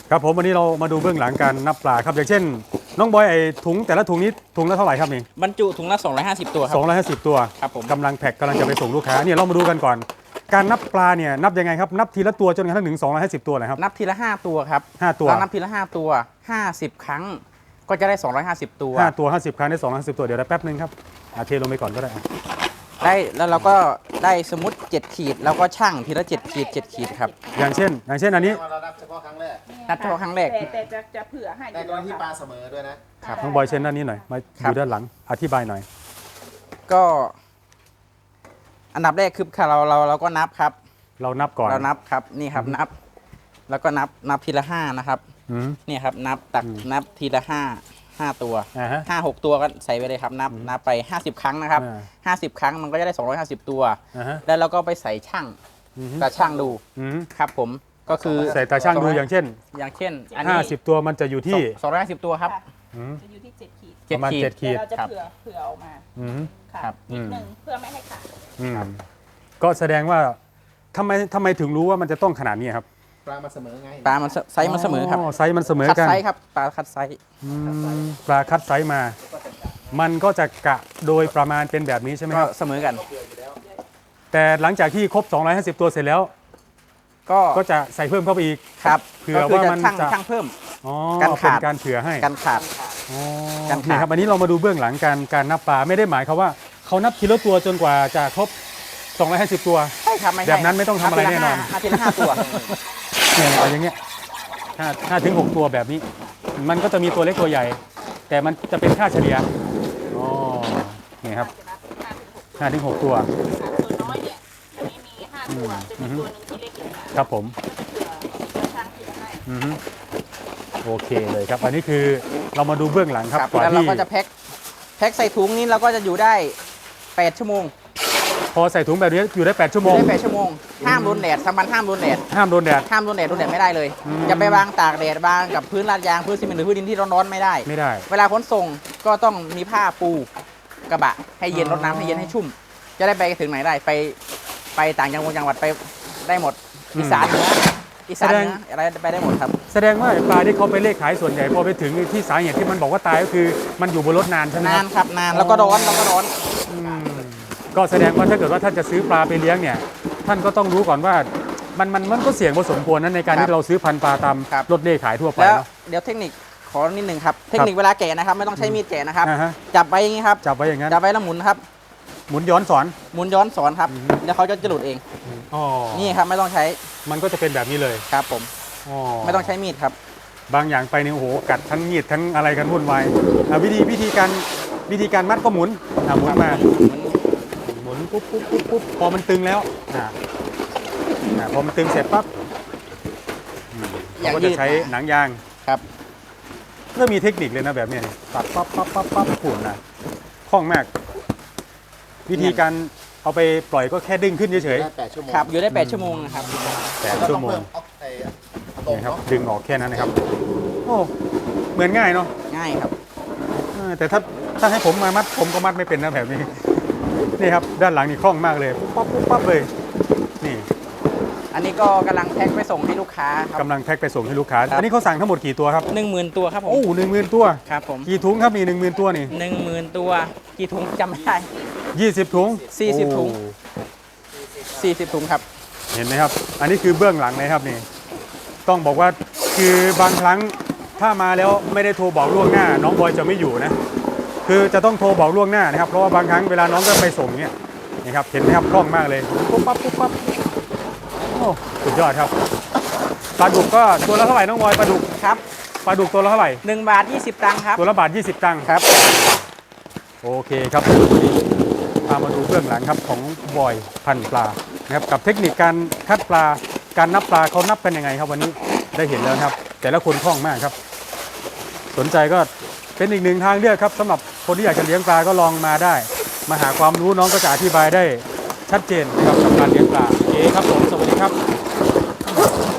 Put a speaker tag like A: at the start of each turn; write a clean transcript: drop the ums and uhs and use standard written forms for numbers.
A: ครับผมวันนี้เรามาดูเบื้องหลังการนับปลาครับอย่างเช่นน้องบอยไอ้ถุงแต่ละถุงนี้ถุงละเท่าไหร่ครับนี่
B: บรรจุถุงละ250ตัวครับ
A: 250ตัว
B: ครับผม
A: กำลังแพ็คกำลังจะไปส่งลูกค้าเนี่ยเรามาดูกันก่อน การนับปลาเนี่ยนับยังไงครับนับทีละตัวจนกระทั่งถึง250ตัวเลยครับ
B: นับทีละ5ตัวครับ
A: 5ตัว
B: เรานับทีละ5ตัว50ครั้งก็จะได้250ตัว
A: 5ตัว50ครั้งได้250ตัวเดี๋ยวได้แป๊บนึงครับเทลงไปก่อนก็ได้
B: ได้แล้วเราก็ได้สมมติ7ขีดแล้วก็ชั่งทีละ7ขีด7ขีดครับ
A: อย่างเช่นอันนี้
C: เรานับเฉพาะครั้งแรก
B: นับเฉพาะครั้งแรก
D: แต่จะเผื่อให้
C: แต่กรณีปลาเสมอด้วยนะครับ
A: น้องบอยเช่นด้านนี้หน่อยมาดูด้านหลังอธิบายหน่อย
B: ก็อันดับแรกคือเราก็นับครับ
A: เรานับก่อน
B: เรานับครับนี่ครับนับแล้วก็นับทีละ5นะครับนี่ครับนับทีละ5ตัว5-6ตัวก็ใส่ไปเลยครับนับไป50ครั้งนะครับ50ครั้งมันก็จะได้250ตัวแล้วเราก็ไปใส่ช่างตาช่างดูครับผมก็คือ
A: ใส่ตาช่างดูอย่างเช่น
B: อันนี้
A: 50ตัวมันจะอยู่ที่
B: 250ตัวครับ
D: จะอยู่ที่7ขีด
A: ประมาณ7ขีด
D: เราจะเผื่อออกมาครับนิดนึงเพื่อไม่ให้ขาด
A: ก็แสดงว่าทำไมถึงรู้ว่ามันจะต้องขนาดนี้ครับ
C: ปลามันเสมอไง
B: ปลามันไซส์มันเสมอครับ
A: ไซส์มันเสมอกัน
B: คัดไซส์ครับปลาคัดไซส์
A: ปลาคัดไซส์มามันก็จะกะโดยประมาณเป็นแบบนี้ใช่ไหมครับ
B: เสมอกัน
A: แต่หลังจากที่ครบ250ตัวเสร็จแล้วก็จะใส่เพิ่มเข้าไปอีก
B: ครับ
A: เผื่อว่ามันจะ
B: ช่างเพิ่ม
A: การขาดการเผื่อให้
B: การขาด
A: นี่ครับอันนี้เรามาดูเบื้องหลังการนับปลาไม่ได้หมายความว่าเขานับทีละตัวจนกว่าจะครบ250ตัว
B: ใช่ครับ
A: แบบนั้นไม่ต้องทำอะไรแน่นอน
B: ทีละ5ตัว
A: เนี่ยอย่างเงี้ย5 ถึง 6ตัวแบบนี้มันก็จะมีตัวเล็กตัวใหญ่แต่มันจะเป็นค่าเฉลี่ยนี่ครับ5 ถึง 6ตัว
D: ตัวน้อยเนี่ยอันนี้มี5ตัวจะมีตัวนึงที่เล็กอยู่
A: ครับผม
D: ช่างที่ให้
A: โอเคเลยครับอันนี้คือเรามาดูเบื้องหลังครับ
B: แล้วเราก็จะแพ็คใส่ถุงนี้เราก็จะอยู่ได้8ชั่วโมง
A: พอใส่ถุงแบบนี้อยู่ได้8ชั่วโมง
B: ได้8ชั่วโมงห้ามโดนแดดสำคัญห้ามโดนแดด
A: ห้ามโดนแดด
B: ไม่ได้เลยจะไปวางตากแดดวางกับพื้นลาดยางพื้นซีเมนต์หรือพื้นดินที่ร้อนๆไม่ได้เวลาขนส่งก็ต้องมีผ้าปูกระบะให้เย็นรดน้ำให้เย็นให้ชุ่มจะได้ไปถึงไหนได้ไปต่างจังหวัดไปได้หมดอีสานเหนืออะไรไปได้หมดครับ
A: แสดงว่าปลาที่เขาไปเลขขายส่วนใหญ่พอไปถึงที่สาเหตุที่มันบอกว่าตายก็คือมันอยู่บนรถนานใช่ไหม
B: นานครับนานแล้วก็ร้อน
A: ก็แสดงว่าถ้าเกิดว่าท่านจะซื้อปลาไปเลี้ยงเนี่ยท่านก็ต้องรู้ก่อนว่ามันก็เสี่ยงพอสมควรนั้นในการที่เราซื้อพันธุ์ปลาตามรถเลขขายทั่วไป
B: แล้วเดี๋ยวเทคนิคขอนิดนึงครับเทคนิคเวลาแกะนะครับไม่ต้องใช้มีดแกะนะครับจับไว้อย่างนี้ครับ
A: จับไว้อย่างนั้น
B: จับไว้แล้วหมุนครับ
A: หมุนย้อนสอน
B: ครับแล้วเขาจะหลุดเองนี่ครับไม่ต้องใช้
A: มันก็จะเป็นแบบนี้เลย
B: ครับผมไม่ต้องใช้มีดครับ
A: บางอย่างไปเนี่ยโอ้โหกัดทั้งมีดทั้งอะไรกันวุ่นวายวิธีการมัดก็หมุนหมุนมาหมุนปุ๊บพอมันตึงแล้วพอมันตึงเสร็จปั๊บเราก็จะใช้หนังยาง
B: ครับ
A: ก็มีเทคนิคเลยนะแบบนี้ตัดปั๊บขุ่นนะคล่องมากวิธีการเอาไปปล่อยก็แค่ดึงขึ้นเฉย
B: ๆครับอยู่ได้8ชั่วโมงนะครับ
A: 8ชั่วโมงนี่ครับดึงออกแค่นั้นนะครับโอ้เหมือนง่ายเนาะ
B: ง่ายครับ
A: แต่ถ้าให้ผมมามัดผมก็มัดไม่เป็นนะแบบนี้นี่ครับด้านหลังนี่คล่องมากเลยปั๊บเลยนี่
B: อันนี้ก็กำลังแพ็คไปส่งให้ลูกค้าครับ
A: กำลังแพ็คไปส่งให้ลูกค้าอันนี้เขาสั่งทั้งหมดกี่ตัวครับ
B: 10,000 ตัวครับผม
A: โอ้10,000 ตัว
B: ครับผม
A: กี่ถุงครับมี10,000 ตัวนี่
B: 10,000 ตัวกี่ถุงจำไม่ได้
A: 20 ถุง
B: 40 ถุง40 ถุงครับ
A: เห็นไหมครับอันนี้คือเบื้องหลังนะครับนี่ต้องบอกว่าคือบางครั้งถ้ามาแล้วไม่ได้โทรบอกล่วงหน้าน้องบอยจะไม่อยู่นะคือจะต้องโทรบอกล่วงหน้านะครับเพราะว่าบางครั้งเวลาน้องก็ไปส่งเนี่ยนี่ครับเห็นไหมครับคล่องมากเลยปุ๊บปั๊บโอ้สุดยอดครับปลาดุกก็ตัวละเท่าไหร่น้องบอยปลาดุก
B: ครับ
A: ปลาดุกตัวละเท่าไหร่
B: 1 บาท 20 ตังค์ครับ
A: ตัวละ1 บาท 20 ตังค์
B: ครับ
A: โอเคครับพามาดูเบื้องหลังครับของบอยพันปลานะครับกับเทคนิคการคัดปลาการนับปลาเขานับกันยังไงครับวันนี้ได้เห็นแล้วครับแต่ละคนคล่องมากครับสนใจก็เป็นอีกหนึ่งทางเลือกครับสำหรับคนที่อยากจะเลี้ยงปลาก็ลองมาได้มาหาความรู้น้องก็จะอธิบายได้ชัดเจนนะครับกับการเลี้ยงปลาโอเคครับผมสวัสดีครับ